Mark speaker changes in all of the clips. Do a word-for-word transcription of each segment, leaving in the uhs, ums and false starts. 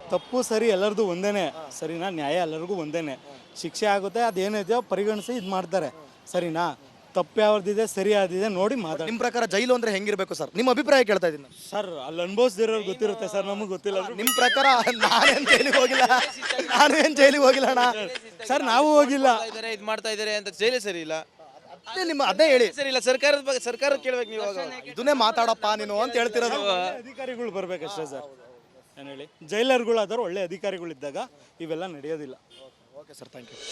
Speaker 1: ತಪ್ಪು ಸರಿ ಎಲ್ಲರದು ಒಂದೇನೆ ಸರಿನಾ, ನ್ಯಾಯ ಎಲ್ಲರಿಗೂ ಒಂದೇನೆ, ಶಿಕ್ಷೆ ಆಗುತ್ತೆ, ಅದೇನಿದೆಯೋ ಪರಿಗಣಿಸಿ ಇದು ಮಾಡ್ತಾರೆ ಸರಿನಾ. ತಪ್ಪು ಯಾವ್ದಿದೆ ಸರಿ ಯಾವ್ದಿದೆ ನೋಡಿ ಮಾತಾಡಿ.
Speaker 2: ನಿಮ್ಮ ಪ್ರಕಾರ ಜೈಲು ಅಂದ್ರೆ ಹೆಂಗಿರ್ಬೇಕು ಸರ್? ನಿಮ್ಮ ಅಭಿಪ್ರಾಯ ಕೇಳ್ತಾ ಇದ್ದೀನಿ.
Speaker 1: ಸರ್ ಅಲ್ಲಿ ಅನುಭವಿಸ್ದಿರೋರು ಗೊತ್ತಿರುತ್ತೆ ಸರ್, ನಮಗೆ ಗೊತ್ತಿಲ್ಲ.
Speaker 2: ನಿಮ್ಮ ಪ್ರಕಾರ ನಾನೇನು ಜೈಲಿಗೆ ಹೋಗಿಲ್ಲ, ನಾನು ಏನು ಜೈಲಿಗೆ ಹೋಗಿಲ್ಲ ಅಣ್ಣ
Speaker 1: ಸರ್, ನಾವು ಹೋಗಿಲ್ಲ.
Speaker 3: ಇದು ಮಾಡ್ತಾ ಇದ್ದಾರೆ ಅಂತ ಜೈಲೇ ಸರಿ ಇಲ್ಲ.
Speaker 2: ಅದೇ ನಿಮ್ಮ ಅದೇ ಹೇಳಿ
Speaker 3: ಸರಿ ಇಲ್ಲ, ಸರ್ಕಾರದ ಬಗ್ಗೆ ಸರ್ಕಾರ ಕೇಳ್ಬೇಕು ನೀವು.
Speaker 2: ಇದನ್ನೇ ಮಾತಾಡಪ್ಪ ನೀನು ಅಂತ ಹೇಳ್ತಿರೋದು.
Speaker 1: ಅಧಿಕಾರಿಗಳು ಬರ್ಬೇಕಷ್ಟೇ ಸರ್. ಏನು ಹೇಳಿ, ಜೈಲರ್ಗಳಾದವ್ರು ಒಳ್ಳೆ ಅಧಿಕಾರಿಗಳಿದ್ದಾಗ ಇವೆಲ್ಲ ನಡೆಯೋದಿಲ್ಲ.
Speaker 2: Okay sir, thank you.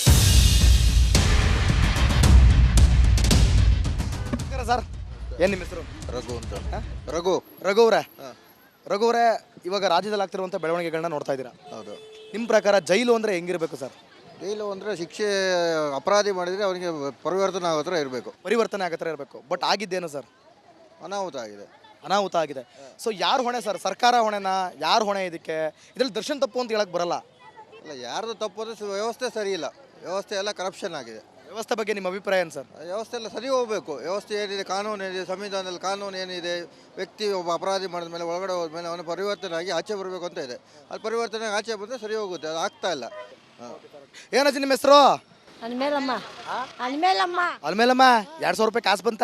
Speaker 2: Sir ಏನು ನಿಮ್ಮ ಹೆಸರು?
Speaker 4: ರಘು ಅಂತ. ರಘು
Speaker 2: ರಘು ಅವರೇ ರಘು ಅವರೇ ಇವಾಗ ರಾಜ್ಯದಲ್ಲಿ ಆಗ್ತಿರುವಂಥ ಬೆಳವಣಿಗೆಗಳನ್ನ ನೋಡ್ತಾ ಇದ್ದೀರಾ.
Speaker 4: ಹೌದು.
Speaker 2: ನಿಮ್ಮ ಪ್ರಕಾರ ಜೈಲು ಅಂದರೆ ಹೆಂಗಿರಬೇಕು ಸರ್?
Speaker 4: ಜೈಲು ಅಂದರೆ ಶಿಕ್ಷೆ ಅಪರಾಧಿ ಮಾಡಿದರೆ ಅವನಿಗೆ ಪರಿವರ್ತನೆ ಆಗೋ ಥರ ಇರಬೇಕು.
Speaker 2: ಪರಿವರ್ತನೆ ಆಗೋ ಥರ ಇರಬೇಕು. ಬಟ್ ಆಗಿದ್ದೇನು ಸರ್?
Speaker 4: ಅನಾಹುತ ಆಗಿದೆ.
Speaker 2: ಅನಾಹುತ ಆಗಿದೆ. ಸೊ ಯಾರು ಹೊಣೆ ಸರ್? ಸರ್ಕಾರ ಹೊಣೆನಾ? ಯಾರು ಹೊಣೆ ಇದಕ್ಕೆ? ಇದರಲ್ಲಿ ದರ್ಶನ್ ತಪ್ಪು ಅಂತ ಹೇಳಕ್ಕೆ ಬರಲ್ಲ.
Speaker 4: ಅಲ್ಲ, ಯಾರ್ದು ತಪ್ಪು ಅಂದರೆ ವ್ಯವಸ್ಥೆ ಸರಿ ಇಲ್ಲ. ವ್ಯವಸ್ಥೆ ಎಲ್ಲ ಕರಪ್ಷನ್ ಆಗಿದೆ.
Speaker 2: ವ್ಯವಸ್ಥೆ ಬಗ್ಗೆ ನಿಮ್ಮ ಅಭಿಪ್ರಾಯ ಏನು ಸರ್?
Speaker 4: ವ್ಯವಸ್ಥೆ ಎಲ್ಲ ಸರಿ ಹೋಗಬೇಕು. ವ್ಯವಸ್ಥೆ ಏನಿದೆ, ಕಾನೂನು ಏನಿದೆ, ಸಂವಿಧಾನದಲ್ಲಿ ಕಾನೂನು ಏನಿದೆ, ವ್ಯಕ್ತಿ ಒಬ್ಬ ಅಪರಾಧಿ ಮಾಡಿದ ಮೇಲೆ ಒಳಗಡೆ ಹೋದ್ಮೇಲೆ ಅವನು ಪರಿವರ್ತನೆ ಆಗಿ ಆಚೆ ಬರಬೇಕು ಅಂತ ಇದೆ. ಅದು ಪರಿವರ್ತನೆ ಆಚೆ ಬಂದರೆ ಸರಿ ಹೋಗುತ್ತೆ. ಅದು ಆಗ್ತಾ ಇಲ್ಲ. ಹಾಂ.
Speaker 2: ಏನಾಚಿ ನಿಮ್ಮ ಹೆಸರು?
Speaker 5: ಅನ್ಮೇಲಮ್ಮ ಅನ್ಮೇಲಮ್ಮ
Speaker 2: ಅಲ್ಮೇಲಮ್ಮ ಎರಡು ಸಾವಿರ ರೂಪಾಯಿ ಕಾಸು ಬಂತ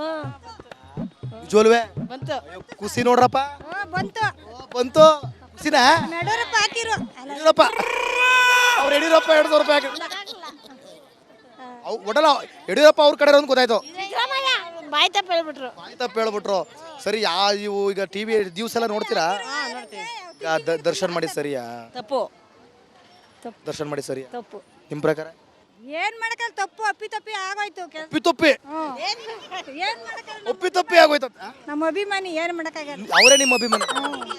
Speaker 2: ಜೋಲ್ವೆ
Speaker 5: ಬಂತು.
Speaker 2: ಖುಷಿ ನೋಡ್ರಪ್ಪ.
Speaker 5: ಬಂತು
Speaker 2: ಬಂತು ಖುಷಿನಾ?
Speaker 5: ನಡೂರಪ್ಪ ಹಾಕಿರು.
Speaker 2: ಯಡಿಯೂರಪ್ಪ ಅವ್ರು ಯಡಿಯೂರಪ್ಪ ಎರಡು ಸಾವಿರ ರೂಪಾಯಿ ಹಾಕಿ ಅವು ಒಡಲ ಯಡಿಯೂರಪ್ಪ ಅವ್ರ ಕಡೆ ಒಂದು ಗೊತ್ತಾಯ್ತು.
Speaker 5: ಬಾಯ್ ತಪ್ಪ ಹೇಳ್ಬಿಟ್ರು.
Speaker 2: ಬಾಯ್ ತಪ್ಪು ಹೇಳ್ಬಿಟ್ರು. ಸರಿ, ಯಾ ಇವು ಈಗ ಟಿ ವಿ ದಿವಸ ಎಲ್ಲ ನೋಡ್ತೀರಾ? ಈಗ ದ- ದರ್ಶನ್ ಮಾಡಿ ಸರಿಯಾ?
Speaker 5: ತಪ್ಪು
Speaker 2: ದರ್ಶನ್ ಮಾಡಿ ಸರಿಯಾ
Speaker 5: ತಪ್ಪು.
Speaker 2: ನಿಮ್ಮ ಪ್ರಕಾರ?
Speaker 5: ಏನ್ ಮಾಡಕಲ್ಲ, ತಪ್ಪು ಅಪ್ಪಿ ತಪ್ಪಿ ಆಗೋಯ್ತು.
Speaker 2: ಒಪ್ಪಿ ತಪ್ಪಿ
Speaker 5: ಏನ್ ಮಾಡಕಲ್ಲ,
Speaker 2: ಒಪ್ಪಿ ತಪ್ಪಿ ಆಗೋಯ್ತು.
Speaker 5: ನಮ್ಮ ಅಭಿಮಾನಿ ಏನ್ ಮಾಡಕ್ಕಾಗಲ್ಲ.
Speaker 2: ಅವರೇ ನಿಮ್ಮ ಅಭಿಮಾನಿ?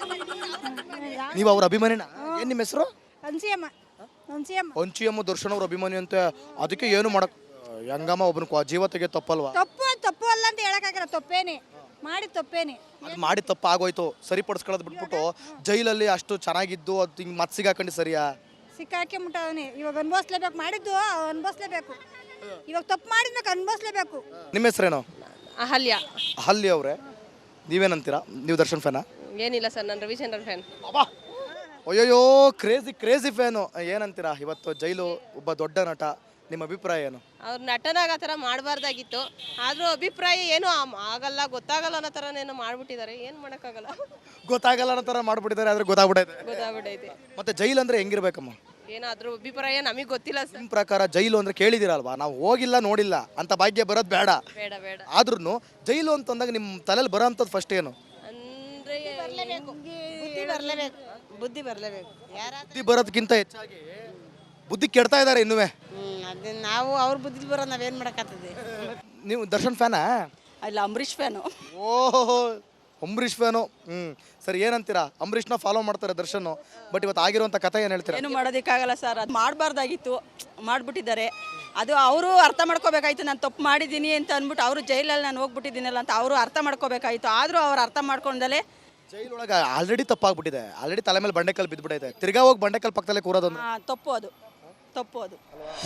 Speaker 2: ನೀವು ಅವ್ರ ಅಭಿಮಾನಿನ? ಏನ್ ನಿಮ್ಮ ಹೆಸರು?
Speaker 5: ಅನ್ಸಿಯಮ್ಮ ಅನ್ಸಿಯಮ್ಮ
Speaker 2: ಪಂಚಿಯಮ್ಮ ದರ್ಶನ್ ಅವ್ರ ಅಭಿಮಾನಿ ಅಂತ. ಅದಕ್ಕೆ ಏನು ಮಾಡಕ್ ಹೆಂಗಮ್ಮ ಒಬ್ಬನ ಜೀವ ತೆಗೆ ತಪ್ಪಲ್ವಾ?
Speaker 5: ತಪ್ಪು ತಪ್ಪು ಅಲ್ಲ ಅಂತ ಹೇಳಕ್ಕಾಗಲ್ಲ. ತಪ್ಪೇನೆ ಮಾಡಿ ತಪ್ಪೇನೆ.
Speaker 2: ಅದು ಮಾಡಿ ತಪ್ಪು ಆಗೋಯ್ತು, ಸರಿಪಡಿಸ್ಕೊಳ್ಳೋದು ಬಿಟ್ಬಿಟ್ಟು ಜೈಲಲ್ಲಿ ಅಷ್ಟು ಚೆನ್ನಾಗಿದ್ದು ಅದು ಹಿಂಗೆ ಮತ್ತೆ ಸಿಗಾಕೊಂಡು ಸರಿಯಾ?
Speaker 5: ಸಿಕ್ಕಾಕಿ ಮುಟ್ಟವನಿ. ಇವಾಗ ಅನ್ಭವಿಸ್ಲೇಬೇಕು. ಮಾಡಿದ್ದು ಅನ್ಭವಿಸ್ಲೇಬೇಕು. ಇವಾಗ ತಪ್ಪು ಮಾಡಿದ್ಮೇಲೆ ಅನ್ಭವಿಸ್ಲೇಬೇಕು.
Speaker 2: ನಿಮ್ಮ ಹೆಸರೇನು?
Speaker 6: ಅಹಲ್ಯ.
Speaker 2: ಅಹಲ್ಯ ಅವರೇ, ನೀವೇನಂತೀರಾ? ನೀವು ದರ್ಶನ್ ಫ್ಯಾನಾ?
Speaker 6: ಏನಿಲ್ಲ ಸರ್, ನಾನು ರವಿಚಂದ್ರನ್ ಫ್ಯಾನ್.
Speaker 2: ಅಯ್ಯೋಯ್ಯೋ, ಕ್ರೇಜಿ ಕ್ರೇಜಿ ಫ್ಯಾನು. ಏನಂತೀರಾ ಇವತ್ತು ಜೈಲು ಒಬ್ಬ ದೊಡ್ಡ ನಟ, ನಿಮ್ಮ ಅಭಿಪ್ರಾಯ ಏನು?
Speaker 6: ಅವ್ರು ನಟನಾಗ ಆ ಥರ ಮಾಡಬಾರ್ದಾಗಿತ್ತು. ಆದರೂ ಅಭಿಪ್ರಾಯ ಏನೂ ಆಗಲ್ಲ, ಗೊತ್ತಾಗಲ್ಲ ಅನ್ನೋ ಥರನೇನೋ ಮಾಡ್ಬಿಟ್ಟಿದ್ದಾರೆ. ಏನು ಮಾಡೋಕ್ಕಾಗಲ್ಲ.
Speaker 2: ಗೊತ್ತಾಗಲ್ಲ ಅನ್ನೋ ಥರ ಮಾಡ್ಬಿಟ್ಟಿದ್ದಾರೆ, ಆದ್ರೆ ಗೊತ್ತಾಗ್ಬಿಟ್ಟೈತೆ.
Speaker 6: ಗೊತ್ತಾಗ್ಬಿಟ್ಟೈತೆ.
Speaker 2: ಮತ್ತೆ ಜೈಲು ಅಂದ್ರೆ ಹೆಂಗಿರ್ಬೇಕಮ್ಮ?
Speaker 6: ಏನೋ ಅದ್ರ ಅಭಿಪ್ರಾಯ ನಮಗೆ ಗೊತ್ತಿಲ್ಲ ಸರ್.
Speaker 2: ನಿಮ್ಮ ಪ್ರಕಾರ ಜೈಲು ಅಂದ್ರೆ ಕೇಳಿದಿರಲ್ವಾ? ನಾವು ಹೋಗಿಲ್ಲ ನೋಡಿಲ್ಲ ಅಂತ ಭಾಗ್ಯ ಬರೋದು ಬೇಡ.
Speaker 6: ಬೇಡ ಬೇಡ.
Speaker 2: ಆದ್ರೂ ಜೈಲು ಅಂತಂದಾಗ ನಿಮ್ಮ ತಲೆಯಲ್ಲಿ ಬರೋ ಅಂಥದ್ದು ಫಸ್ಟ್ ಏನು?
Speaker 6: ಅಂದರೆ
Speaker 5: ಬುದ್ಧಿ ಬರಲೇಬೇಕು. ಬುದ್ಧಿ ಬರಲೇಬೇಕು.
Speaker 2: ಬುದ್ಧಿ ಬರೋದಕ್ಕಿಂತ ಹೆಚ್ಚಾಗಿ ಬುದ್ಧಿ ಕೆಡ್ತಾ ಇದ್ದಾರೆ ಇನ್ನುವೆ.
Speaker 5: ಅದು ನಾವು ಅವ್ರ ಬುದ್ಧಿ ಬರೋ ನಾವೇನು ಮಾಡೋಕ್ಕಾಗ್ತದೆ.
Speaker 2: ನೀವು ದರ್ಶನ್ ಫ್ಯಾನಾ?
Speaker 5: ಇಲ್ಲ, ಅಂಬರೀಷ್ ಫ್ಯಾನು.
Speaker 2: ಓಹೋ, ಅಂಬರೀಷ್ ಫ್ಯಾನು. ಹ್ಞೂ ಸರಿ, ಏನಂತೀರಾ? ಅಂಬರೀಷ್ನ ಫಾಲೋ ಮಾಡ್ತಾರೆ ದರ್ಶನ್, ಬಟ್ ಇವತ್ತು ಆಗಿರುವಂಥ ಕಥೆ ಏನು ಹೇಳ್ತೀರಾ?
Speaker 7: ಏನು ಮಾಡೋದಕ್ಕಾಗಲ್ಲ ಸರ್. ಅದು ಮಾಡಬಾರ್ದಾಗಿತ್ತು, ಮಾಡಿಬಿಟ್ಟಿದ್ದಾರೆ. ಅದು ಅವರು ಅರ್ಥ ಮಾಡ್ಕೋಬೇಕಾಯ್ತು. ನಾನು ತಪ್ಪು ಮಾಡಿದ್ದೀನಿ ಅಂತ ಅಂದ್ಬಿಟ್ಟು ಅವರು ಜೈಲಲ್ಲಿ ನಾನು ಹೋಗ್ಬಿಟ್ಟಿದ್ದೀನಲ್ಲ ಅಂತ ಅವರು ಅರ್ಥ ಮಾಡ್ಕೋಬೇಕಾಯ್ತು. ಆದರೂ ಅವ್ರು ಅರ್ಥ ಮಾಡ್ಕೊಂಡಲೇ
Speaker 2: ಜೈಲೊಳಗೆ ಆಲ್ರೆಡಿ ತಪ್ಪಾಗ್ಬಿಟ್ಟಿದೆ. ಆಲ್ರೆಡಿ ತಲೆ ಮೇಲೆ ಬಂಡೆಕಲ್ ಬಿದ್ದುಬಿಟ್ಟೈತೆ. ತಿರ್ಗಾ ಹೋಗಿ ಬಂಡೆಕಲ್ ಪಕ್ಕದಲ್ಲೇ ಕೂರೋದೊಂದು
Speaker 7: ತಪ್ಪು. ಅದು ತಪ್ಪು. ಅದು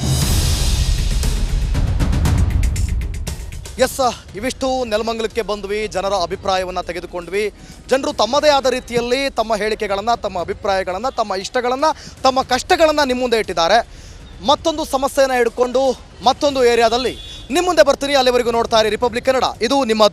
Speaker 2: ಎಸ್, ಇವಿಷ್ಟು ನೆಲಮಂಗಲಕ್ಕೆ ಬಂದ್ವಿ, ಜನರ ಅಭಿಪ್ರಾಯವನ್ನು ತೆಗೆದುಕೊಂಡ್ವಿ. ಜನರು ತಮ್ಮದೇ ಆದ ರೀತಿಯಲ್ಲಿ ತಮ್ಮ ಹೇಳಿಕೆಗಳನ್ನು, ತಮ್ಮ ಅಭಿಪ್ರಾಯಗಳನ್ನು, ತಮ್ಮ ಇಷ್ಟಗಳನ್ನು, ತಮ್ಮ ಕಷ್ಟಗಳನ್ನು ನಿಮ್ಮ ಮುಂದೆ ಇಟ್ಟಿದ್ದಾರೆ. ಮತ್ತೊಂದು ಸಮಸ್ಯೆಯನ್ನು ಹಿಡ್ಕೊಂಡು ಮತ್ತೊಂದು ಏರಿಯಾದಲ್ಲಿ ನಿಮ್ಮ ಮುಂದೆ ಬರ್ತೀನಿ. ಅಲ್ಲಿವರೆಗೂ ನೋಡ್ತಾ ಇರಿ ರಿಪಬ್ಲಿಕ್ ಕನ್ನಡ. ಇದು ನಿಮ್ಮ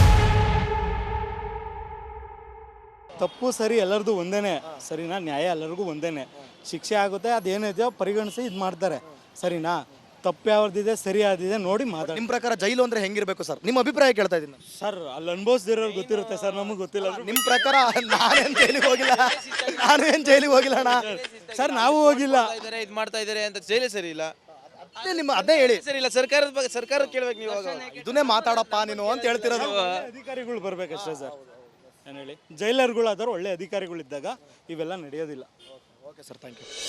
Speaker 1: ತಪ್ಪು ಸರಿ ಎಲ್ಲರದು ಒಂದೇನೆ ಸರಿನಾ, ನ್ಯಾಯ ಎಲ್ಲರಿಗೂ ಒಂದೇನೆ, ಶಿಕ್ಷೆ ಆಗುತ್ತೆ, ಅದೇನಿದೆಯೋ ಪರಿಗಣಿಸಿ ಇದು ಮಾಡ್ತಾರೆ ಸರಿನಾ. ತಪ್ಪು ಯಾವ್ದಿದೆ ಸರಿ ಯಾವ್ದಿದೆ ನೋಡಿ ಮಾತಾಡಿ.
Speaker 2: ನಿಮ್ಮ ಪ್ರಕಾರ ಜೈಲು ಅಂದ್ರೆ ಹೆಂಗಿರ್ಬೇಕು ಸರ್? ನಿಮ್ಮ ಅಭಿಪ್ರಾಯ ಕೇಳ್ತಾ ಇದ್ದೀನಿ.
Speaker 1: ಸರ್ ಅಲ್ಲಿ ಅನುಭವಿಸ್ದಿರೋರು ಗೊತ್ತಿರುತ್ತೆ ಸರ್, ನಮಗೆ ಗೊತ್ತಿಲ್ಲ.
Speaker 2: ನಿಮ್ಮ ಪ್ರಕಾರ ನಾನೇನು ಜೈಲಿಗೆ ಹೋಗಿಲ್ಲ, ನಾನು ಏನು ಜೈಲಿಗೆ ಹೋಗಿಲ್ಲ ಅಣ್ಣ
Speaker 1: ಸರ್, ನಾವು ಹೋಗಿಲ್ಲ.
Speaker 3: ಇದು ಮಾಡ್ತಾ ಇದ್ದಾರೆ ಅಂತ ಜೈಲೇ ಸರಿ ಇಲ್ಲ.
Speaker 2: ಅದೇ ನಿಮ್ಮ ಅದೇ ಹೇಳಿ
Speaker 3: ಸರಿ ಇಲ್ಲ, ಸರ್ಕಾರದ ಬಗ್ಗೆ ಸರ್ಕಾರ ಕೇಳ್ಬೇಕು ನೀವು.
Speaker 2: ಇದನ್ನೇ ಮಾತಾಡಪ್ಪ ನೀನು ಅಂತ ಹೇಳ್ತಿರೋದು.
Speaker 1: ಅಧಿಕಾರಿಗಳು ಬರ್ಬೇಕಷ್ಟೇ ಸರ್. ಏನು ಹೇಳಿ, ಜೈಲರ್ಗಳಾದವ್ರು ಒಳ್ಳೆ ಅಧಿಕಾರಿಗಳಿದ್ದಾಗ ಇವೆಲ್ಲ ನಡೆಯೋದಿಲ್ಲ.
Speaker 2: Okay sir, thank you.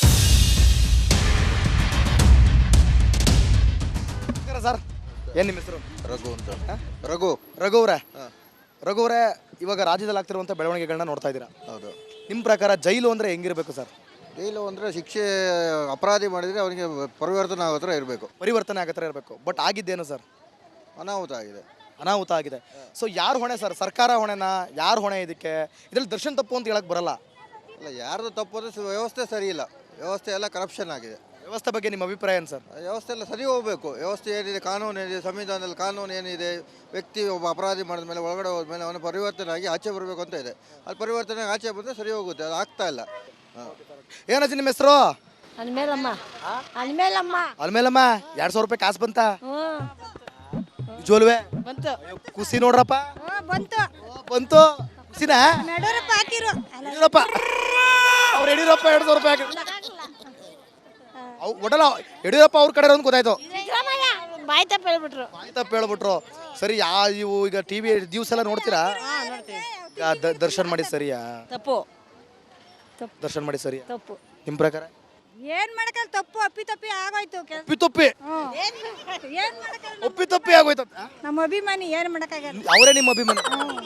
Speaker 2: Sir ಏನು ನಿಮ್ಮ ಹೆಸರು?
Speaker 4: ರಘು ಅಂತ. ರಘು
Speaker 2: ರಘು ಅವರೇ ರಘು ಅವರೇ ಇವಾಗ ರಾಜ್ಯದಲ್ಲಿ ಆಗ್ತಿರುವಂಥ ಬೆಳವಣಿಗೆಗಳನ್ನ ನೋಡ್ತಾ ಇದ್ದೀರಾ.
Speaker 4: ಹೌದು.
Speaker 2: ನಿಮ್ಮ ಪ್ರಕಾರ ಜೈಲು ಅಂದರೆ ಹೆಂಗಿರಬೇಕು ಸರ್?
Speaker 4: ಜೈಲು ಅಂದರೆ ಶಿಕ್ಷೆ ಅಪರಾಧಿ ಮಾಡಿದರೆ ಅವನಿಗೆ ಪರಿವರ್ತನೆ ಆಗೋ ಥರ ಇರಬೇಕು.
Speaker 2: ಪರಿವರ್ತನೆ ಆಗೋ ಥರ ಇರಬೇಕು. ಬಟ್ ಆಗಿದ್ದೇನು ಸರ್?
Speaker 4: ಅನಾಹುತ ಆಗಿದೆ.
Speaker 2: ಅನಾಹುತ ಆಗಿದೆ. ಸೊ ಯಾರು ಹೊಣೆ ಸರ್? ಸರ್ಕಾರ ಹೊಣೆನಾ? ಯಾರು ಹೊಣೆ ಇದಕ್ಕೆ? ಇದರಲ್ಲಿ ದರ್ಶನ್ ತಪ್ಪು ಅಂತ ಹೇಳಕ್ಕೆ ಬರಲ್ಲ.
Speaker 4: ಅಲ್ಲ, ಅಲ್ಲ ಯಾರ್ದು ತಪ್ಪು ಅಂದರೆ ಸ- ವ್ಯವಸ್ಥೆ ಸರಿ ಇಲ್ಲ, ವ್ಯವಸ್ಥೆ ಎಲ್ಲ ಕರಪ್ಷನ್ ಆಗಿದೆ.
Speaker 2: ವ್ಯವಸ್ಥೆ ಬಗ್ಗೆ ನಿಮ್ಮ ಅಭಿಪ್ರಾಯ ಏನು ಸರ್?
Speaker 4: ಆ ವ್ಯವಸ್ಥೆ ಎಲ್ಲ ಸರಿ ಹೋಗಬೇಕು. ವ್ಯವಸ್ಥೆ ಏನಿದೆ, ಕಾನೂನು ಏನಿದೆ, ಸಂವಿಧಾನದಲ್ಲಿ ಕಾನೂನು ಏನಿದೆ, ವ್ಯಕ್ತಿ ಒಬ್ಬ ಅಪರಾಧಿ ಮಾಡಿದ ಮೇಲೆ ಒಳಗಡೆ ಹೋದ್ಮೇಲೆ ಅವನು ಪರಿವರ್ತನೆ ಆಗಿ ಆಚೆ ಬರಬೇಕು ಅಂತ ಇದೆ. ಅದು ಪರಿವರ್ತನೆ ಆಗಿ ಆಚೆ ಬಂದರೆ ಸರಿ ಹೋಗುತ್ತೆ, ಅದು ಆಗ್ತಾ ಇಲ್ಲ. ಹಾಂ,
Speaker 2: ಏನಜ್ಜಿ ನಿಮ್ಮ ಹೆಸರು?
Speaker 5: ಅನ್ಮೇಲಮ್ಮ ಅನ್ಮೇಲಮ್ಮ
Speaker 2: ಅಲ್ಮೇಲಮ್ಮ ಎರಡು ಸಾವಿರ ರೂಪಾಯಿ ಕಾಸು ಬಂತ ಜೋಲ್ವೆ
Speaker 5: ಬಂತು
Speaker 2: ಖುಷಿ ನೋಡ್ರಪ್ಪ.
Speaker 5: ಬಂತು
Speaker 2: ಓ, ಬಂತು ಖುಷಿನಾ?
Speaker 5: ನಡೂರಪ್ಪ ಹಾಕಿರು
Speaker 2: ಯಡಿಯೂರಪ್ಪ ಅವ್ರು ಯಡಿಯೂರಪ್ಪ ಎರಡು ಸಾವಿರ ರೂಪಾಯಿ ಹಾಕಿ ಅವ್ ಒಡಲ ಯಡಿಯೂರಪ್ಪ ಅವ್ರ ಕಡೆ ಒಂದು ಗೊತ್ತಾಯ್ತು,
Speaker 5: ಬಾಯ್ ತಪ್ಪ ಹೇಳ್ಬಿಟ್ರು.
Speaker 2: ಬಾಯಿ ತಪ್ಪು ಹೇಳ್ಬಿಟ್ರು. ಸರಿ, ಯಾ ಇವು ಈಗ ಟಿ ವಿ ದಿವಸ ಎಲ್ಲ ನೋಡ್ತೀರಾ? ಈಗ ದ- ದರ್ಶನ್ ಮಾಡಿ ಸರಿಯಾ?
Speaker 7: ತಪ್ಪು
Speaker 2: ದರ್ಶನ್ ಮಾಡಿ ಸರಿಯಾ
Speaker 5: ತಪ್ಪು
Speaker 2: ನಿಮ್ಮ ಪ್ರಕಾರ?
Speaker 5: ಏನ್ ಮಾಡಕಲ್ಲ, ತಪ್ಪು ಅಪ್ಪಿ ತಪ್ಪಿ ಆಗೋಯ್ತು ಕೆಲ್ಸ.
Speaker 2: ಒಪ್ಪಿ ತಪ್ಪಿ
Speaker 5: ಏನ್ ಮಾಡಕಲ್ಲ,
Speaker 2: ಒಪ್ಪಿ ತಪ್ಪಿ ಆಗೋಯ್ತು.
Speaker 5: ನಮ್ಮ ಅಭಿಮಾನಿ ಏನ್ ಮಾಡಕ್ಕಾಗಲ್ಲ.
Speaker 2: ಅವರೇ ನಿಮ್ಮ ಅಭಿಮಾನಿ?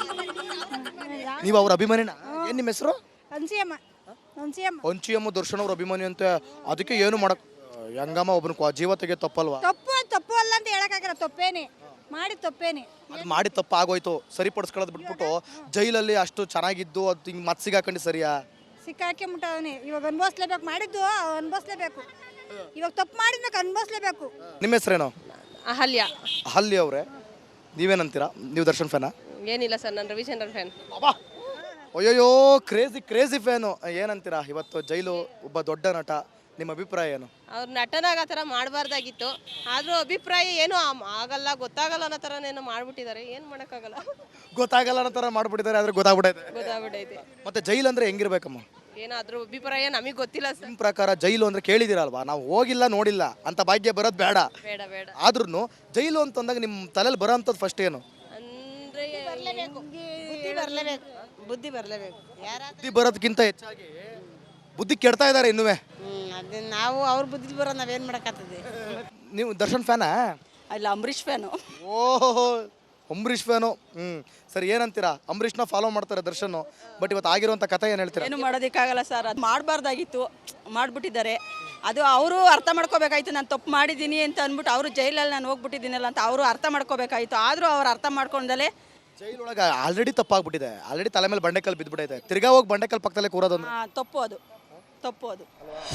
Speaker 2: ನೀವು ಅವ್ರ ಅಭಿಮಾನಿನ? ಏನ್ ನಿಮ್ಮ ಹೆಸರು?
Speaker 5: ಅನ್ಸಿಯಮ್ಮ ಅನ್ಸಿಯಮ್ಮ
Speaker 2: ಹೊಂಚಿಯಮ್ಮ ದರ್ಶನ್ ಅವ್ರ ಅಭಿಮಾನಿ ಅಂತ. ಅದಕ್ಕೆ ಏನು ಮಾಡಕ್ ಹೆಂಗಮ್ಮ ಒಬ್ಬನ ಕ್ವ- ಜೀವ ತೆಗೆ ತಪ್ಪಲ್ವಾ?
Speaker 5: ತಪ್ಪು ತಪ್ಪು ಅಲ್ಲ ಅಂತ ಹೇಳಕ್ಕಾಗಲ್ಲ, ತಪ್ಪೇನೆ ಮಾಡಿ ತಪ್ಪೇನೆ.
Speaker 2: ಅದು ಮಾಡಿ ತಪ್ಪು ಆಗೋಯ್ತು, ಸರಿಪಡಿಸ್ಕೊಳ್ಳೋದು ಬಿಟ್ಬಿಟ್ಟು ಜೈಲಲ್ಲಿ ಅಷ್ಟು ಚೆನ್ನಾಗಿದ್ದು ಅದು ಹಿಂಗೆ ಮತ್ತೆ ಸಿಗಾಕೊಂಡು ಸರಿಯಾ?
Speaker 5: ಸಿಕ್ಕಾಕೆ ಮುಟ್ಟವನೆ ಇವಾಗ ಅನ್ಭವಿಸ್ಲೇಬೇಕು, ಮಾಡಿದ್ದು ಅನ್ಭವಿಸ್ಲೇಬೇಕು. ಇವಾಗ ತಪ್ಪು ಮಾಡಿದ್ಮೇಲೆ ಅನ್ಭವಿಸ್ಲೇಬೇಕು.
Speaker 2: ನಿಮ್ಮ ಹೆಸರೇನು?
Speaker 6: ಅಹಲ್ಯ.
Speaker 2: ಹಲ್ಲಿ ಅವರೇ, ನೀವೇನಂತೀರಾ? ನೀವು ದರ್ಶನ್ ಫ್ಯಾನಾ?
Speaker 6: ಏನಿಲ್ಲ ಸರ್, ನಾನು ರವಿಚಂದ್ರನ್ ಫ್ಯಾನ್.
Speaker 2: ಅಯ್ಯೋಯ್ಯೋ, ಕ್ರೇಜಿ ಕ್ರೇಜಿ ಫ್ಯಾನು. ಏನಂತೀರಾ ಇವತ್ತು ಜೈಲು ಒಬ್ಬ ದೊಡ್ಡ ನಟ, ನಿಮ್ಮ ಅಭಿಪ್ರಾಯ ಏನು?
Speaker 6: ಅವ್ರು ನಟನಾಗ ಆ ಥರ ಮಾಡಬಾರ್ದಾಗಿತ್ತು, ಆದರೂ ಅಭಿಪ್ರಾಯ ಏನೂ ಆಮ್- ಆಗಲ್ಲ ಗೊತ್ತಾಗಲ್ಲ ಅನ್ನೋ ಥರನೇನೋ ಮಾಡ್ಬಿಟ್ಟಿದ್ದಾರೆ. ಏನು ಮಾಡೋಕ್ಕಾಗಲ್ಲ,
Speaker 2: ಗೊತ್ತಾಗಲ್ಲ ಅನ್ನೋ ಥರ ಮಾಡ್ಬಿಟ್ಟಿದ್ದಾರೆ, ಆದ್ರೆ ಗೊತ್ತಾಗ್ಬಿಟ್ಟೈತೆ.
Speaker 6: ಗೊತ್ತಾಗ್ಬಿಟ್ಟೈತೆ.
Speaker 2: ಮತ್ತೆ ಜೈಲು ಅಂದ್ರೆ ಹೆಂಗಿರ್ಬೇಕಮ್ಮ?
Speaker 6: ಏನೋ ಅದ್ರ ಅಭಿಪ್ರಾಯ ನಮಗೆ ಗೊತ್ತಿಲ್ಲ ಸರ್.
Speaker 2: ನಿಮ್ಮ ಪ್ರಕಾರ ಜೈಲು ಅಂದ್ರೆ ಕೇಳಿದಿರಲ್ವಾ? ನಾವು ಹೋಗಿಲ್ಲ ನೋಡಿಲ್ಲ ಅಂತ ಭಾಗ್ಯ ಬರೋದು ಬೇಡ.
Speaker 6: ಬೇಡ ಬೇಡ
Speaker 2: ಆದ್ರೂ ಜೈಲು ಅಂತಂದಾಗ ನಿಮ್ಮ ತಲೆಯಲ್ಲಿ ಬರೋ ಅಂಥದ್ದು ಫಸ್ಟ್ ಏನು?
Speaker 6: ಅಂದರೆ
Speaker 7: ಬುದ್ಧಿ ಬರಲೇಬೇಕು ಬುದ್ಧಿ ಬರಲೇಬೇಕು ಯಾರ
Speaker 2: ಬುದ್ಧಿ ಬರೋದಕ್ಕಿಂತ ಹೆಚ್ಚಾಗಿ ಬುದ್ಧಿ ಕೆಡ್ತಾ ಇದ್ದಾರೆ ಇನ್ನುವೆ.
Speaker 7: ಅದು ನಾವು ಅವ್ರ ಬುದ್ಧಿ ಬರೋ ನಾವೇನು ಮಾಡೋಕ್ಕತ್ತದೆ.
Speaker 2: ನೀವು ದರ್ಶನ್ ಫ್ಯಾನಾ?
Speaker 7: ಇಲ್ಲ ಅಂಬರೀಷ್ ಫ್ಯಾನು.
Speaker 2: ಓಹೋ, ಅಂಬರೀಷ್ ಫ್ಯಾನು. ಹ್ಞೂ ಸರಿ, ಏನಂತೀರಾ? ಅಂಬರೀಷ್ನ ಫಾಲೋ ಮಾಡ್ತಾರೆ ದರ್ಶನ್, ಬಟ್ ಇವತ್ತು ಆಗಿರುವಂಥ ಕಥೆ ಏನು ಹೇಳ್ತೀರಾ?
Speaker 7: ಏನು ಮಾಡೋದಕ್ಕಾಗಲ್ಲ ಸರ್, ಅದು ಮಾಡಬಾರ್ದಾಗಿತ್ತು, ಮಾಡಿಬಿಟ್ಟಿದ್ದಾರೆ. ಅದು ಅವರು ಅರ್ಥ ಮಾಡ್ಕೋಬೇಕಾಯ್ತು, ನಾನು ತಪ್ಪು ಮಾಡಿದ್ದೀನಿ ಅಂತ ಅಂದ್ಬಿಟ್ಟು ಅವರು ಜೈಲಲ್ಲಿ ನಾನು ಹೋಗ್ಬಿಟ್ಟಿದ್ದೀನಲ್ಲ ಅಂತ ಅವರು ಅರ್ಥ ಮಾಡ್ಕೋಬೇಕಾಯ್ತು. ಆದರೂ ಅವ್ರು ಅರ್ಥ ಮಾಡ್ಕೊಂಡಲೇ
Speaker 2: ಜೈಲೊಳಗೆ ಆಲ್ರೆಡಿ ತಪ್ಪಾಗ್ಬಿಟ್ಟಿದೆ, ಆಲ್ರೆಡಿ ತಲೆ ಮೇಲೆ ಬಂಡೆಕಲ್ ಬಿದ್ದುಬಿಟ್ಟೈತೆ, ತಿರ್ಗಾ ಹೋಗಿ ಬಂಡೆಕಲ್ ಪಕ್ಕದಲ್ಲೇ ಕೂರೋದೊಂದು
Speaker 7: ತಪ್ಪು, ಅದು ತಪ್ಪು ಅದು.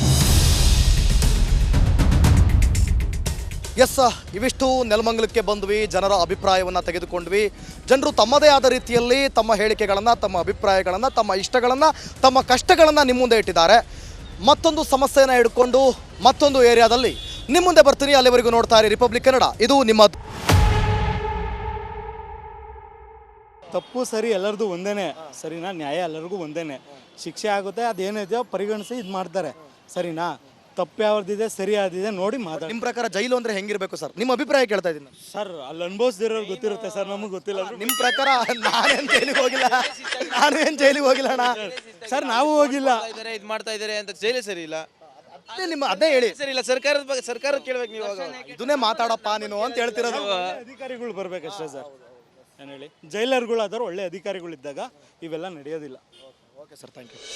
Speaker 2: ಎಸ್, ಇವಿಷ್ಟು ನೆಲಮಂಗಲಕ್ಕೆ ಬಂದ್ವಿ, ಜನರ ಅಭಿಪ್ರಾಯವನ್ನು ತೆಗೆದುಕೊಂಡ್ವಿ. ಜನರು ತಮ್ಮದೇ ಆದ ರೀತಿಯಲ್ಲಿ ತಮ್ಮ ಹೇಳಿಕೆಗಳನ್ನು, ತಮ್ಮ ಅಭಿಪ್ರಾಯಗಳನ್ನು, ತಮ್ಮ ಇಷ್ಟಗಳನ್ನು, ತಮ್ಮ ಕಷ್ಟಗಳನ್ನು ನಿಮ್ಮ ಮುಂದೆ ಇಟ್ಟಿದ್ದಾರೆ. ಮತ್ತೊಂದು ಸಮಸ್ಯೆಯನ್ನು ಹಿಡ್ಕೊಂಡು ಮತ್ತೊಂದು ಏರಿಯಾದಲ್ಲಿ ನಿಮ್ಮ ಮುಂದೆ ಬರ್ತೀನಿ. ಅಲ್ಲಿವರೆಗೂ ನೋಡ್ತಾ ಇರಿ ರಿಪಬ್ಲಿಕ್ ಕನ್ನಡ, ಇದು ನಿಮ್ಮ.
Speaker 1: ತಪ್ಪು ಸರಿ ಎಲ್ಲರದು ಒಂದೇನೆ, ಸರಿನಾ? ನ್ಯಾಯ ಎಲ್ಲರಿಗೂ ಒಂದೇನೆ, ಶಿಕ್ಷೆ ಆಗುತ್ತೆ, ಅದೇನಿದೆಯೋ ಪರಿಗಣಿಸಿ ಇದು ಮಾಡ್ತಾರೆ, ಸರಿನಾ? ತಪ್ಪು ಯಾವ್ದಿದೆ ಸರಿ ಯಾವ್ದಿದೆ ನೋಡಿ ಮಾತಾಡಿ.
Speaker 2: ನಿಮ್ಮ ಪ್ರಕಾರ ಜೈಲು ಅಂದ್ರೆ ಹೆಂಗಿರ್ಬೇಕು ಸರ್? ನಿಮ್ಮ ಅಭಿಪ್ರಾಯ ಕೇಳ್ತಾ ಇದ್ದೀನಿ.
Speaker 1: ಸರ್ ಅಲ್ಲಿ ಅನುಭವಿಸ್ದಿರೋರು ಗೊತ್ತಿರುತ್ತೆ ಸರ್, ನಮಗೆ ಗೊತ್ತಿಲ್ಲ.
Speaker 2: ನಿಮ್ಮ ಪ್ರಕಾರ ನಾನೇನು ಜೈಲಿಗೆ ಹೋಗಿಲ್ಲ, ನಾನು ಏನು ಜೈಲಿಗೆ ಹೋಗಿಲ್ಲ ಅಣ್ಣ
Speaker 1: ಸರ್, ನಾವು ಹೋಗಿಲ್ಲ.
Speaker 3: ಇದ್ದಾರೆ ಇದು ಮಾಡ್ತಾ ಇದ್ದಾರೆ ಅಂತ ಜೈಲೇ ಸರಿ ಇಲ್ಲ.
Speaker 2: ಅದೇ ನಿಮ್ಮ ಅದೇ ಹೇಳಿ
Speaker 3: ಸರಿ ಇಲ್ಲ, ಸರ್ಕಾರದ ಬಗ್ಗೆ ಸರ್ಕಾರ ಕೇಳ್ಬೇಕು ನೀವು. ಇವಾಗ
Speaker 2: ಇದನ್ನೇ ಮಾತಾಡಪ್ಪ ನೀನು ಅಂತ ಹೇಳ್ತಿರೋದು.
Speaker 1: ಅಧಿಕಾರಿಗಳು ಬರ್ಬೇಕಷ್ಟೇ ಸರ್. ಏನು ಹೇಳಿ, ಜೈಲರ್ಗಳಾದವ್ರು ಒಳ್ಳೆ ಅಧಿಕಾರಿಗಳಿದ್ದಾಗ ಇವೆಲ್ಲ ನಡೆಯೋದಿಲ್ಲ.
Speaker 2: Okay sir, thank you.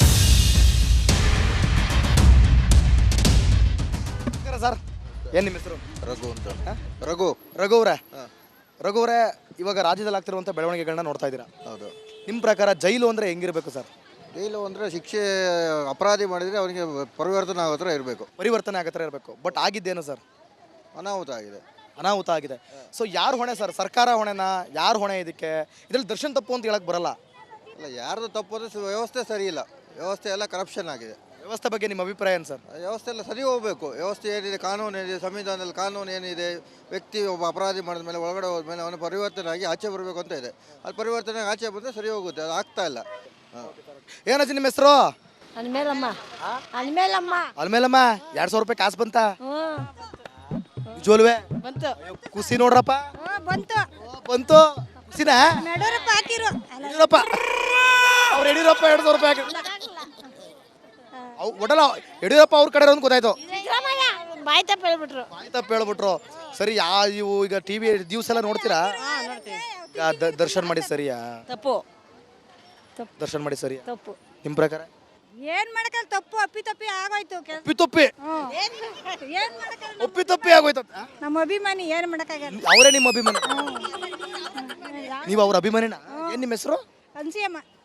Speaker 2: Sir, ಏನು ನಿಮ್ಮ ಹೆಸರು?
Speaker 4: ರಘು ಅಂತ. ರಘು
Speaker 2: ರಘು ಅವರೇ, ರಘು ಅವರೇ, ಇವಾಗ ರಾಜ್ಯದಲ್ಲಿ ಆಗ್ತಿರುವಂಥ ಬೆಳವಣಿಗೆಗಳನ್ನ ನೋಡ್ತಾ ಇದ್ದೀರಾ.
Speaker 4: ಹೌದು.
Speaker 2: ನಿಮ್ಮ ಪ್ರಕಾರ ಜೈಲು ಅಂದರೆ ಹೆಂಗಿರಬೇಕು ಸರ್?
Speaker 4: ಜೈಲು ಅಂದರೆ ಶಿಕ್ಷೆ ಅಪರಾಧಿ ಮಾಡಿದರೆ ಅವನಿಗೆ ಪರಿವರ್ತನೆ ಆಗೋ ಥರ ಇರಬೇಕು,
Speaker 2: ಪರಿವರ್ತನೆ ಆಗೋ ಥರ ಇರಬೇಕು. ಬಟ್ ಆಗಿದ್ದೇನು ಸರ್?
Speaker 4: ಅನಾಹುತ ಆಗಿದೆ.
Speaker 2: ಅನಾಹುತ ಆಗಿದೆ. ಸೊ ಯಾರು ಹೊಣೆ ಸರ್? ಸರ್ಕಾರ ಹೊಣೆನಾ? ಯಾರು ಹೊಣೆ ಇದಕ್ಕೆ? ಇದರಲ್ಲಿ ದರ್ಶನ್ ತಪ್ಪು ಅಂತ ಹೇಳಕ್ ಬರಲ್ಲ.
Speaker 4: ಅಲ್ಲ ಯಾರ್ದು ತಪ್ಪು ಅಂದರೆ ಸ- ವ್ಯವಸ್ಥೆ ಸರಿ ಇಲ್ಲ, ವ್ಯವಸ್ಥೆ ಎಲ್ಲ ಕರಪ್ಷನ್ ಆಗಿದೆ.
Speaker 2: ವ್ಯವಸ್ಥೆ ಬಗ್ಗೆ ನಿಮ್ಮ ಅಭಿಪ್ರಾಯ ಏನು ಸರ್?
Speaker 4: ಆ ವ್ಯವಸ್ಥೆ ಎಲ್ಲ ಸರಿ ಹೋಗಬೇಕು. ವ್ಯವಸ್ಥೆ ಏನಿದೆ, ಕಾನೂನು ಏನಿದೆ, ಸಂವಿಧಾನದಲ್ಲಿ ಕಾನೂನು ಏನಿದೆ, ವ್ಯಕ್ತಿ ಒಬ್ಬ ಅಪರಾಧಿ ಮಾಡಿದ ಮೇಲೆ ಒಳಗಡೆ ಹೋದ್ಮೇಲೆ ಅವನು ಪರಿವರ್ತನೆ ಆಗಿ ಆಚೆ ಬರಬೇಕು ಅಂತ ಇದೆ. ಅದು ಪರಿವರ್ತನೆ ಆಗಿ ಆಚೆ ಬಂದರೆ ಸರಿ ಹೋಗುತ್ತೆ, ಅದು ಆಗ್ತಾ ಇಲ್ಲ. ಹಾಂ,
Speaker 2: ಏನಜ್ಜಿ ನಿಮ್ಮ ಹೆಸರು?
Speaker 5: ಅನ್ಮೇಲಮ್ಮ ಅನ್ಮೇಲಮ್ಮ
Speaker 2: ಅಲ್ಮೇಲಮ್ಮ ಎರಡು ಸಾವಿರ ರೂಪಾಯಿ ಕಾಸು ಬಂತ ಜೋಲ್ವೆ
Speaker 7: ಬಂತು
Speaker 2: ಖುಷಿ ನೋಡ್ರಪ್ಪ.
Speaker 5: ಬಂತು
Speaker 2: ಓ, ಬಂತು ಖುಷಿನಾ?
Speaker 5: ನಡೂರಪ್ಪ ಹಾಕಿರು
Speaker 2: ಯಡಿಯೂರಪ್ಪ ಅವ್ರು ಯಡಿಯೂರಪ್ಪ ಎರಡು ಸಾವಿರ ರೂಪಾಯಿ ಹಾಕಿ ಅವ್ ಒಡಲ ಯಡಿಯೂರಪ್ಪ ಅವ್ರ ಕಡೆ ಒಂದು ಗೊತ್ತಾಯ್ತು,
Speaker 5: ಬಾಯ್ ತಪ್ಪ ಹೇಳ್ಬಿಟ್ರು.
Speaker 2: ಬಾಯಿ ತಪ್ಪು ಹೇಳ್ಬಿಟ್ರು. ಸರಿ, ಯಾ ಇವು ಈಗ ಟಿ ವಿ ದಿವಸ ಎಲ್ಲ ನೋಡ್ತೀರಾ? ಈಗ ದ- ದರ್ಶನ್ ಮಾಡಿ ಸರಿಯಾ?
Speaker 7: ತಪ್ಪು
Speaker 2: ದರ್ಶನ್ ಮಾಡಿ ಸರಿಯಾ
Speaker 5: ತಪ್ಪು
Speaker 2: ನಿಮ್ಮ ಪ್ರಕಾರ?
Speaker 5: ಏನ್ ಮಾಡಕಲ್ಲ, ತಪ್ಪು ಅಪ್ಪಿ ತಪ್ಪಿ ಆಗೋಯ್ತು ಕೆಲ್ಸ.
Speaker 2: ಒಪ್ಪಿ ತಪ್ಪಿ
Speaker 5: ಏನ್ ಮಾಡಕಲ್ಲ,
Speaker 2: ಒಪ್ಪಿ ತಪ್ಪಿ ಆಗೋಯ್ತು.
Speaker 5: ನಮ್ಮ ಅಭಿಮಾನಿ ಏನ್ ಮಾಡಕ್ಕಾಗಲ್ಲ.
Speaker 2: ಅವರೇ ನಿಮ್ಮ ಅಭಿಮಾನಿ? ನೀವು ಅವ್ರ ಅಭಿಮಾನಿನ? ಏನ್ ನಿಮ್ಮ ಹೆಸರು?
Speaker 5: ಅನ್ಸಿಯಮ್ಮ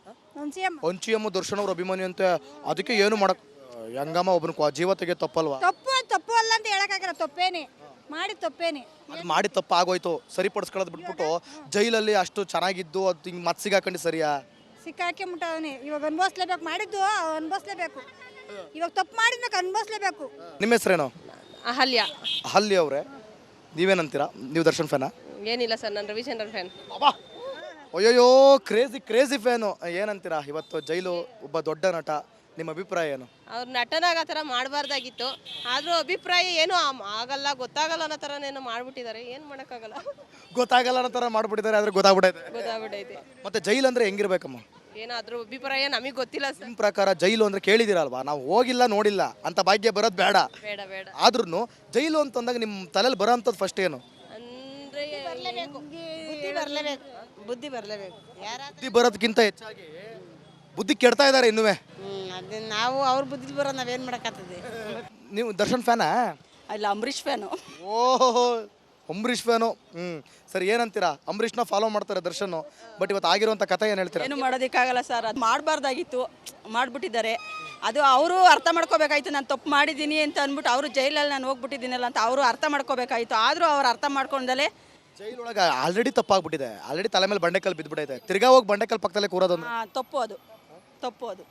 Speaker 5: ಒಂದು ಸಿ ಎಮ್
Speaker 2: ಹೊಂಚಿಯಮ್ಮ ದರ್ಶನ್ ಅವ್ರ ಅಭಿಮಾನಿ ಅಂತ ಅದಕ್ಕೆ ಏನು ಮಾಡಕ್ ಹೆಂಗಮ್ಮ ಒಬ್ಬನ ಕ್ವ- ಜೀವ ತೆಗೆ ತಪ್ಪಲ್ವಾ?
Speaker 5: ತಪ್ಪು ತಪ್ಪು ಅಲ್ಲ ಅಂತ ಹೇಳಕ್ಕಾಗಲ್ಲ, ತಪ್ಪೇನೆ ಮಾಡಿ ತಪ್ಪೇನೆ.
Speaker 2: ಅದು ಮಾಡಿ ತಪ್ಪು ಆಗೋಯ್ತು, ಸರಿಪಡಿಸ್ಕೊಳ್ಳೋದು ಬಿಟ್ಬಿಟ್ಟು ಜೈಲಲ್ಲಿ ಅಷ್ಟು ಚೆನ್ನಾಗಿದ್ದು ಅದು ಹಿಂಗೆ ಮತ್ತೆ ಸಿಗಾಕೊಂಡು ಸರಿಯಾ?
Speaker 5: ಸಿಕ್ಕಾಕೆ ಮುಟ್ಟವನೆ, ಇವಾಗ ಅನ್ಭವಿಸ್ಲೇಬೇಕು, ಮಾಡಿದ್ದು ಅನ್ಭವಿಸ್ಲೇಬೇಕು. ಇವಾಗ ತಪ್ಪು ಮಾಡಿದ್ಮೇಲೆ ಅನ್ಭವಿಸ್ಲೇಬೇಕು.
Speaker 2: ನಿಮ್ಮ ಹೆಸರೇನು?
Speaker 6: ಅಹಲ್ಯ.
Speaker 2: ಹಲ್ಲಿ ಅವರೇ, ನೀವೇನಂತೀರಾ? ನೀವು ದರ್ಶನ್ ಫ್ಯಾನಾ?
Speaker 6: ಏನಿಲ್ಲ ಸರ್, ನಾನು ರವಿಚಂದ್ರನ್ ಫ್ಯಾನ್.
Speaker 2: ಅಯ್ಯಯ್ಯೋ ಕ್ರೇಜಿ ಕ್ರೇಜಿ ಫ್ಯಾನು. ಏನಂತೀರಾ ಇವತ್ತು ಜೈಲು ಒಬ್ಬ ದೊಡ್ಡ ನಟ, ನಿಮ್ಮ ಅಭಿಪ್ರಾಯ ಏನು?
Speaker 6: ಅವ್ರು ನಟನಾಗ ಆ ಥರ ಮಾಡಬಾರ್ದಾಗಿತ್ತು, ಆದರೂ ಅಭಿಪ್ರಾಯ ಏನೂ ಆ- ಆಗಲ್ಲ ಗೊತ್ತಾಗಲ್ಲ ಅನ್ನೋ ಥರನೇನೋ ಮಾಡ್ಬಿಟ್ಟಿದ್ದಾರೆ, ಏನು ಮಾಡೋಕ್ಕಾಗಲ್ಲ.
Speaker 2: ಗೊತ್ತಾಗಲ್ಲ ಅನ್ನೋ ಥರ ಮಾಡ್ಬಿಟ್ಟಿದ್ದಾರೆ, ಆದ್ರೆ ಗೊತ್ತಾಗ್ಬಿಟ್ಟೈತೆ.
Speaker 6: ಗೊತ್ತಾಗ್ಬಿಟ್ಟೈತೆ.
Speaker 2: ಮತ್ತೆ ಜೈಲು ಅಂದ್ರೆ ಹೆಂಗಿರ್ಬೇಕಮ್ಮ?
Speaker 6: ಏನೋ ಅದ್ರ ಅಭಿಪ್ರಾಯ ನಮಗೆ ಗೊತ್ತಿಲ್ಲ ಸರ್.
Speaker 2: ನಿಮ್ಮ ಪ್ರಕಾರ ಜೈಲು ಅಂದ್ರೆ ಕೇಳಿದಿರಲ್ವಾ? ನಾವು ಹೋಗಿಲ್ಲ ನೋಡಿಲ್ಲ ಅಂತ ಭಾಗ್ಯ ಬರೋದು ಬೇಡ.
Speaker 6: ಬೇಡ ಬೇಡ
Speaker 2: ಆದ್ರೂ ಜೈಲು ಅಂತಂದಾಗ ನಿಮ್ಮ ತಲೆಯಲ್ಲಿ ಬರೋ ಅಂಥದ್ದು ಫಸ್ಟ್ ಏನು?
Speaker 6: ಅಂದರೆ
Speaker 8: ಬುದ್ಧಿ ಬರಲೇಬೇಕು, ಬುದ್ಧಿ ಬರಲೇಬೇಕು. ಯಾರ
Speaker 2: ಬುದ್ಧಿ ಬರೋದಕ್ಕಿಂತ ಹೆಚ್ಚಾಗಿ ಬುದ್ಧಿ ಕೆಡ್ತಾ ಇದ್ದಾರೆ ಇನ್ನುವೇ.
Speaker 8: ಅದು ನಾವು ಅವ್ರ ಬುದ್ಧಿ ಬರೋದು ನಾವೇನು ಮಾಡೋಕ್ಕಾಗ್ತದೆ?
Speaker 2: ನೀವು ದರ್ಶನ್ ಫ್ಯಾನಾ?
Speaker 7: ಇಲ್ಲ, ಅಂಬರೀಷ್ ಫ್ಯಾನು.
Speaker 2: ಓಹೋ, ಅಂಬರೀಷ್ ಫ್ಯಾನು. ಹ್ಞೂ ಸರಿ, ಏನಂತೀರಾ? ಅಂಬರೀಷ್ನ ಫಾಲೋ ಮಾಡ್ತಾರೆ ದರ್ಶನ್, ಬಟ್ ಇವತ್ತು ಆಗಿರುವಂಥ ಕಥೆ ಏನು ಹೇಳ್ತೀರಾ?
Speaker 7: ಏನು ಮಾಡೋದಕ್ಕಾಗಲ್ಲ ಸರ್, ಅದು ಮಾಡಬಾರ್ದಾಗಿತ್ತು, ಮಾಡಿಬಿಟ್ಟಿದ್ದಾರೆ. ಅದು ಅವರು ಅರ್ಥ ಮಾಡ್ಕೋಬೇಕಾಯ್ತು, ನಾನು ತಪ್ಪು ಮಾಡಿದ್ದೀನಿ ಅಂತ ಅಂದ್ಬಿಟ್ಟು ಅವರು ಜೈಲಲ್ಲಿ ನಾನು ಹೋಗ್ಬಿಟ್ಟಿದ್ದೀನಲ್ಲ ಅಂತ ಅವರು ಅರ್ಥ ಮಾಡ್ಕೋಬೇಕಾಯ್ತು. ಆದರೂ ಅವ್ರು ಅರ್ಥ ಮಾಡ್ಕೊಂಡಲೇ
Speaker 2: ಜೈಲೊಳಗೆ ಆಲ್ರೆಡಿ ತಪ್ಪಾಗ್ಬಿಟ್ಟಿದೆ, ಆಲ್ರೆಡಿ ತಲೆ ಮೇಲೆ ಬಂಡೆಕಲ್ ಬಿದ್ದುಬಿಟ್ಟೈತೆ, ತಿರ್ಗಾ ಹೋಗಿ ಬಂಡೆಕಲ್ ಪಕ್ಕದಲ್ಲೇ ಕೂರೋದೊಂದು
Speaker 7: ಆ, ತಪ್ಪು ಅದು ತಪ್ಪು ಅದು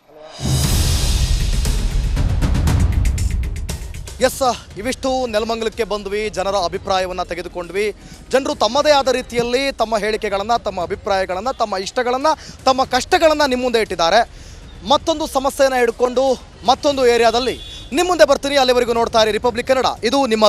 Speaker 2: ಎಸ್, ಇವಿಷ್ಟು ನೆಲಮಂಗಲಕ್ಕೆ ಬಂದ್ವಿ, ಜನರ ಅಭಿಪ್ರಾಯವನ್ನು ತೆಗೆದುಕೊಂಡ್ವಿ. ಜನರು ತಮ್ಮದೇ ಆದ ರೀತಿಯಲ್ಲಿ ತಮ್ಮ ಹೇಳಿಕೆಗಳನ್ನು, ತಮ್ಮ ಅಭಿಪ್ರಾಯಗಳನ್ನು, ತಮ್ಮ ಇಷ್ಟಗಳನ್ನು, ತಮ್ಮ ಕಷ್ಟಗಳನ್ನು ನಿಮ್ಮ ಮುಂದೆ ಇಟ್ಟಿದ್ದಾರೆ. ಮತ್ತೊಂದು ಸಮಸ್ಯೆಯನ್ನು ಹಿಡ್ಕೊಂಡು ಮತ್ತೊಂದು ಏರಿಯಾದಲ್ಲಿ ನಿಮ್ಮ ಮುಂದೆ ಬರ್ತೀನಿ. ಅಲ್ಲಿವರೆಗೂ ನೋಡ್ತಾ ಇರಿ ರಿಪಬ್ಲಿಕ್ ಕನ್ನಡ. ಇದು ನಿಮ್ಮ